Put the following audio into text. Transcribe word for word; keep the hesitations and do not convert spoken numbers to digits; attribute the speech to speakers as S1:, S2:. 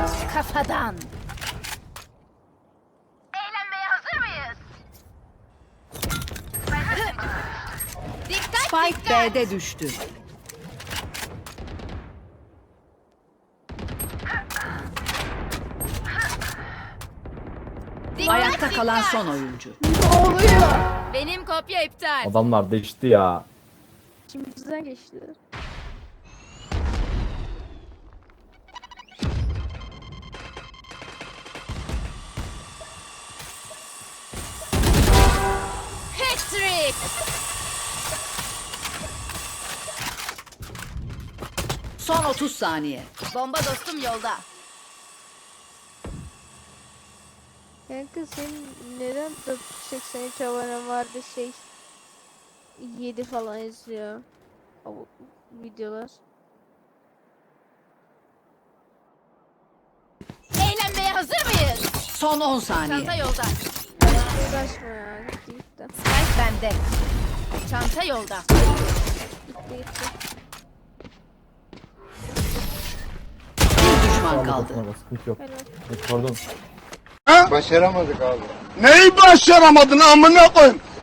S1: Kafadan. Eğlenmeye hazır mıyız? Dikkat
S2: Spike
S1: dikkat.
S2: B'de düştü.
S1: Dikkat,
S2: Ayakta kalan
S1: dikkat.
S2: son oyuncu.
S1: Benim kopya iptal.
S3: Adamlar değişti ya.
S4: İçimizden geçti.
S1: Hat-trick.
S2: Son otuz saniye.
S1: Bomba dostum yolda.
S4: Kanka senin neden dört yüz seksen üç abonen vardı şey yedi falan izliyor o videolar.
S1: Eğlenmeye hazır mıyız?
S2: Son on
S1: Çanta
S2: saniye.
S1: yolda.
S4: Uğraşma ya gitti gitti.
S1: Spike bende. Çanta yolda.
S4: Gitti gitti.
S2: Bir düşman kaldı.
S3: Kaldı. Sıkıntı yok.
S4: Helal.
S3: Evet, pardon.
S5: Başaramadık abi. Neyi başaramadın amına koyayım?